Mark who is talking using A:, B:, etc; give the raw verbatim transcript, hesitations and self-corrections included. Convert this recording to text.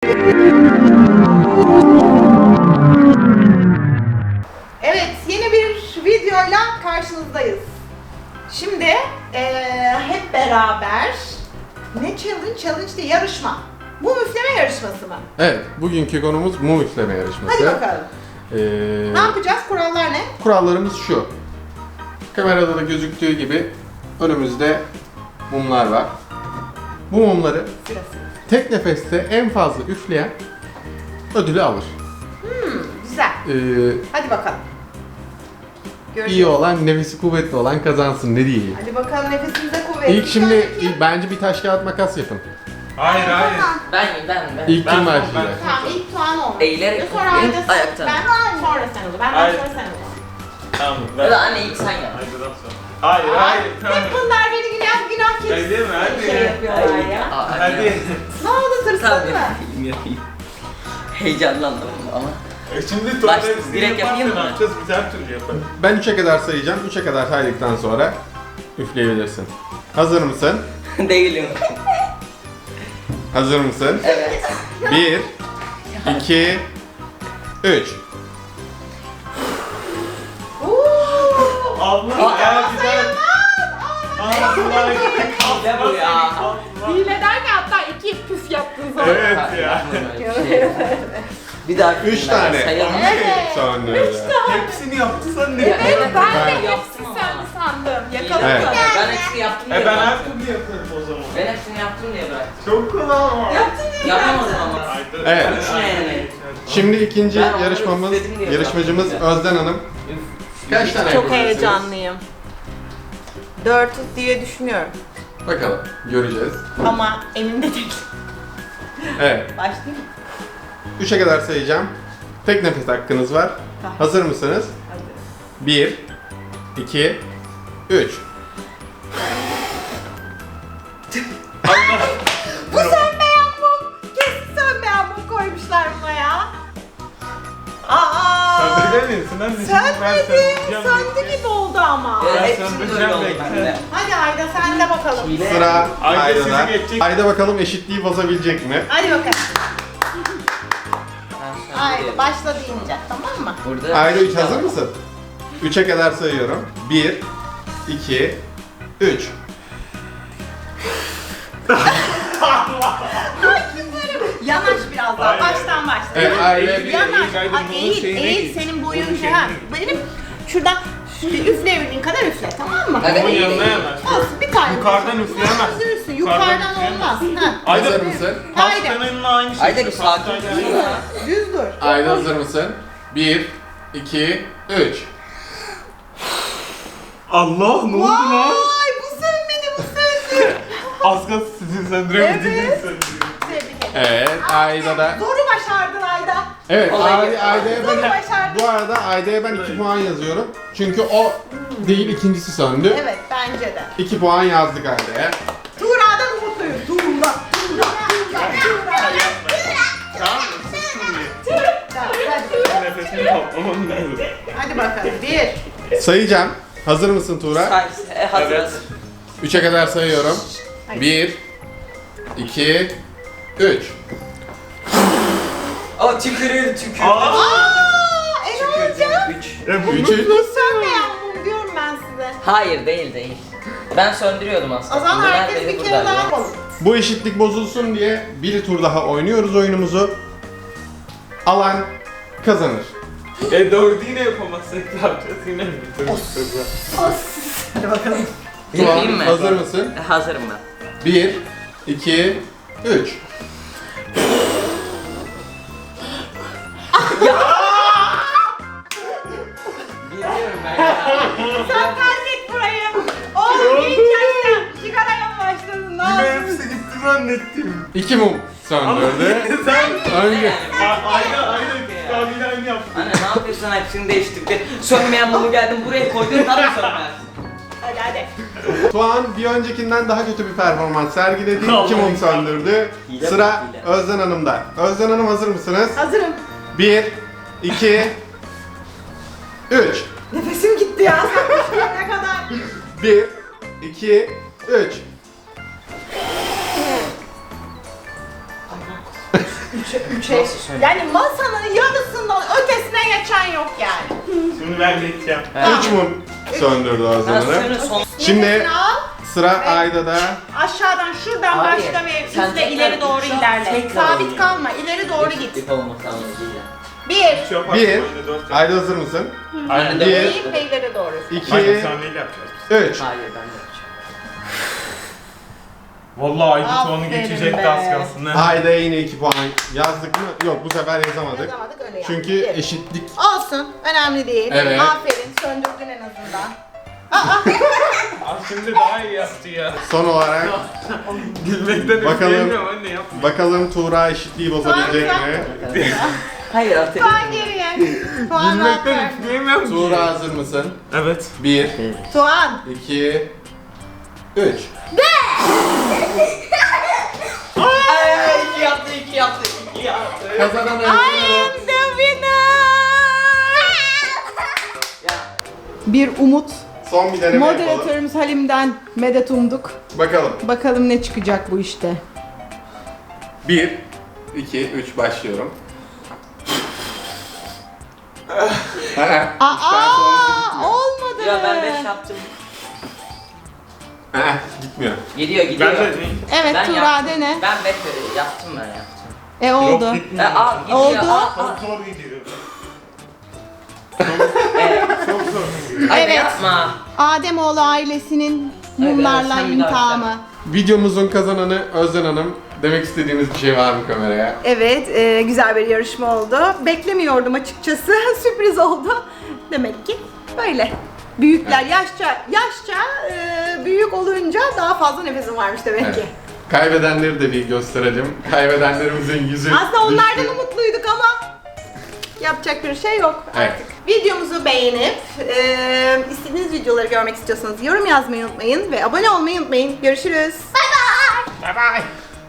A: Evet, yeni bir videoyla karşınızdayız. Şimdi ee, hep beraber ne challenge? Challenge değil, yarışma. Mum üfleme yarışması mı?
B: Evet, bugünkü konumuz mum üfleme yarışması.
A: Hadi bakalım.
B: Ee,
A: Ne yapacağız? Kurallar ne?
B: kurallarımız şu. Kamerada da gözüktüğü gibi önümüzde mumlar var. Bu mumları
A: Sırası.
B: tek nefeste en fazla üfleyen ödülü alır.
A: Hmm, güzel.
B: Ee,
A: Hadi bakalım. Göreceğiz.
B: iyi olan, nefesi kuvvetli olan kazansın, ne diyeyim.
A: Hadi bakalım, nefesimize kuvvet.
B: İlk şimdi
A: Sonraki-
B: ilk- bence bir taş kağıt makas yapın.
C: Hayır hayır.
A: Tamam.
D: Ben ben ben.
B: İlk
C: Ben-
B: kim
C: ben-
B: başlayacak?
A: Tamam, ilk Tuğan olmuş.
D: Eğilerek
A: Sonra Ayda,
D: ayakta.
A: ben sonra sen ol. Benden
C: Hayır.
A: sonra sen ol.
C: Tamam.
D: Ya da anne ilk sen yap.
C: Hayırdan sonra. Hayır hayır. Tamam.
A: Hep bunlar beni günah günah keçisi
C: Hadi mi? Hadi.
A: şey yapıyorlar ya.
D: Aa,
C: Hadi.
A: Ne oldu, tırsın
D: Tamam
A: mı?
D: yapayım yapayım. Heyecanlandım ama.
C: E şimdi
D: Baş-
C: tuvalet
D: direkt yapayım mı?
C: Ne yapacağız? Biz her türlü yaparız.
B: Ben üçe kadar sayacağım. üçe kadar saydıktan sonra üfleyebilirsin. Hazır mısın?
D: Değilim.
B: Hazır mısın?
D: Evet.
B: bir, iki, üç.
A: Uuu.
C: Allah ya güzel. Allah
D: Ne bu ya?
A: Hile derken hatta iki püf yaptın sonra.
C: Evet ya.
D: Bir daha
B: Üç tane.
D: sayalım.
A: Evet.
B: Sonra.
C: Hepsini yaptı sen ne?
A: Evet, ben de
D: Ben
A: hepsi
D: yaptım ama.
A: sen sandım. Yakaladım.
B: Evet.
D: Ben hepsini yaptım diye
C: E ben her
D: bıraktım.
C: türlü yaparım o zaman.
D: Ben hepsini yaptım diye bıraktım.
C: Çok kolay ama.
A: Yaptın diye
D: Yapamadım
A: bıraktın.
D: ama.
C: Ayda-
B: Evet.
D: Üçüne yani.
B: Şimdi ikinci
D: Ben onları
B: yarışmamız,
D: üfledim diye
B: yarışmacımız
D: bıraktım.
B: Özden Hanım. Kaç tane
A: Çok
B: yapabilirsiniz?
A: heyecanlıyım. Dört diye düşünüyorum.
B: Bakalım, göreceğiz.
A: Ama emin de değilim.
B: Evet,
A: Başlayayım mı?
B: üçe kadar sayacağım. Tek nefes hakkınız var.
A: Tamam.
B: Hazır mısınız?
A: Hadi.
B: bir, iki, üç.
A: Bu sönmeyen mum. Kesin sönmeyen mum koymuşlar buna ya. Aa!
C: Söndüremiyorsun anne. Şimdi ben
A: Sönmedi.
C: söndüreceğim.
A: Söndü gibi oldu ama.
D: Evet,
C: Ben
D: hepsini
C: söndüreceğim
D: öyle oldu
C: bekle.
D: bende.
A: Hadi Ayda, sen de bakalım.
D: Hile.
B: Sıra
C: Ayda
B: Ayda'da.
C: sizi geçecek.
B: Ayda bakalım eşitliği bozabilecek mi?
A: Hadi bakalım.
D: Ben
A: Ayda
D: söndürüyorum.
A: başla deyince, tamam mı?
D: Burada
B: Ayda üç
D: bir daha
B: hazır
D: var.
B: mısın? üçe kadar sayıyorum. bir, iki, üç.
A: Yanaş biraz daha.
C: Aynen.
A: Baştan başla.
B: Evet, Ayda bir.
A: Yanaş.
C: Ayda
A: Ay,
C: bunun
A: eğil,
C: şeyine
A: eğil.
C: git.
A: Senin
C: Bunun
A: boyun
C: şeyine
A: ha.
C: git.
A: Benim şuradan üfleyebildiğin kadar üfle, tamam mı?
D: Hadi.
C: Onun yanına yanaş.
A: Olsun, bir tane.
C: Yukarıdan üfleyemez.
A: Üzülürsün.
C: Yukarıdan
A: Yukarıdan olmaz. Ha.
C: Ayda
B: Hazır mısın?
A: Haydi.
C: pastanın aynı şey.
D: Ayda bir sakin
C: Pastayla
D: dur
C: aynı.
D: ya.
A: Düz dur.
B: Ayda hazır mısın? bir, iki, üç.
C: Allah ne oldu lan?
A: Vay, bu sönmedi, bu söndü.
C: Az kalsın sizin söndüremediğiniz
A: Evet.
C: söndürüyor.
A: Tebrik ederim.
B: Evet, Ayda da.
A: Zoru başardın Ayda.
B: Evet,
D: Olay
B: Ay-
D: yok.
B: Ayda'ya
A: Zoru
B: ben,
A: başardın.
B: bu arada Ayda'ya ben iki puan yazıyorum. Çünkü o değil, ikincisi söndü.
A: Evet, bence de.
B: iki puan yazdık Ayda'ya.
A: Tuğra'dan umutluyum. Tuğra, Tuğra, Tuğra, Tuğra.
C: Tamam mı? Siz şimdi.
A: Tamam, hadi.
C: Nefesimi toplamam lazım.
A: Hadi bakalım. Bir.
B: Sayacağım. Hazır mısın Tuğra?
D: Say, e, hazır
C: Evet.
D: hazır.
B: üçe kadar sayıyorum.
A: Hayır.
B: bir, iki, üç.
D: O tükürüyor tükürüyor.
C: Aa!
A: Aa, en olacak.
D: Üç.
C: E bu
B: Üç,
C: bu-
B: üç.
A: Bu sönmeyen mum diyorum ben size.
D: Hayır değil değil. Ben söndürüyordum aslında.
A: O zaman
D: Bunlar
A: herkes
D: beni
A: bir kere
D: buradaydı.
A: daha yapalım.
B: Bu eşitlik bozulsun diye bir tur daha oynuyoruz oyunumuzu. Alan kazanır.
C: E dördü yine yapamazsak ne yapacağız yine mi?
A: Hadi bakalım.
D: Yapayım
B: Tuğan,
D: mı?
B: hazır mısın?
D: E, hazırım ben.
B: bir, iki, üç.
D: Biliyorum ben ya.
A: Sen terk et burayı. Oğlum genç yaşta sigaraya mı başladın? Ne
C: Yine
A: oldu?
C: hepsi gitti zannettim.
B: İki mum söndürdü.
C: Sen
B: Önce.
C: A- aynı aynı kahveyle aynı yaptın.
D: Anne ne yapıyorsun hepsini değiştirdin. Sönmeyen mumu geldim buraya koydun tabii sönmez.
A: Hadi hadi.
B: Tuğan bir öncekinden daha kötü bir performans sergiledi. İki mum söndürdü.
D: Hile
B: Sıra
D: mi? Hile.
B: Özden Hanım'da. Özden Hanım hazır mısınız?
A: Hazırım.
B: bir, iki, üç.
A: Nefesim gitti ya. Sen ne kadar?
B: bir, iki, üç.
A: üçe, üçe.
D: Nasıl söyleyeyim?
A: Yani masanın yarısından ötesine geçen yok yani.
C: Şimdi ben geçeceğim.
B: Üç mum söndürdü
D: Ben
B: Azra Hanım.
D: suyunu son...
B: Şimdi
A: Nefesini al.
B: sıra
A: Evet.
B: Ayda'da.
A: Aşağıdan şuradan
D: Hayır,
A: başla ve
D: sen
A: üstle
D: tekrar
A: ileri doğru
D: üç yap,
A: ilerle.
D: tekrar
A: Sabit
D: oynayalım.
A: kalma, ileri doğru git.
D: Eşitlik olması amacıyla.
A: Bir,
C: Şu yaparsın,
B: Bir.
C: oyunda dört yap.
B: Ayda hazır mısın?
C: Aynen.
B: Bir.
A: değil ve ileri doğru.
B: İki,
C: Aynen sahneyle yapacağız.
B: üç.
D: Hayır ben de yapacağım.
C: Vallahi Aydut onu
A: Aferin
C: geçecekti
A: be.
C: az kalsın. ha.
B: Ayda'ya yine iki puan yazdık mı? Yok, bu sefer yazamadık.
A: Yazamadık öyle yani.
B: Çünkü
A: Bir.
B: eşitlik.
A: Olsun, önemli değil.
B: Evet.
A: Aferin, söndürdün en azından.
C: Aa, şimdi daha iyi yaptı ya.
B: Son olarak
C: Gülmekten
B: Bakalım.
C: üfleyemiyorum anne yapma.
B: bakalım Tuğra eşitliği bozabilecek
A: Tuğra.
B: mi?
D: Hayır atayım.
A: Puan geriye. Puan
C: Gülmekten
A: ver.
C: üfleyemiyorum ki.
B: Tuğra hazır mısın?
C: Evet.
B: Bir,
A: Tuğan.
B: iki, üç.
D: Ay, iki yaptı, iki yaptı, iki yaptı.
B: Kazanan
A: I am the winner.
D: Ya,
A: Bir umut.
B: Son bir deneme yapalım.
A: Moderatörümüz Halim'den medet umduk.
B: Bakalım.
A: Bakalım ne çıkacak bu işte.
B: Bir, iki, üç başlıyorum.
A: Aa, olmadı.
D: ya ben beş yaptım.
B: Aa, gitmiyor.
D: Gidiyor, gidiyor.
C: Ben de
A: Evet
D: Ben
A: Tuğra
D: yaptım.
A: dene.
D: Ben beş yaptım ben yaptım.
A: E oldu.
C: Yok
D: E,
C: gitmiyor.
D: al, gidiyor.
A: Oldu.
D: Al, al.
C: Çok zor gidiyor.
D: E,
C: Çok zor.
D: hadi
A: Evet.
D: yapma.
A: Ademoğlu ailesinin
D: Evet,
A: mumlarla
D: sen bir daha
A: intihamı.
B: Videomuzun kazananı Özden Hanım. Demek istediğiniz bir şey var mı kameraya?
A: Evet, e, güzel bir yarışma oldu. Beklemiyordum açıkçası. Sürpriz oldu. Demek ki böyle. Büyükler yaşça yaşça e, büyük olunca daha fazla nefesim varmış demek
B: Evet.
A: ki.
B: Kaybedenleri de bir gösterelim. Kaybedenlerimizin yüzü
A: Aslında onlardan
B: düştü.
A: umutluyduk ama yapacak bir şey yok
B: Evet.
A: artık. Videomuzu beğenip e, istediğiniz videoları görmek istiyorsanız yorum yazmayı unutmayın ve abone olmayı unutmayın. Görüşürüz. Bye bye.
C: Bye bye.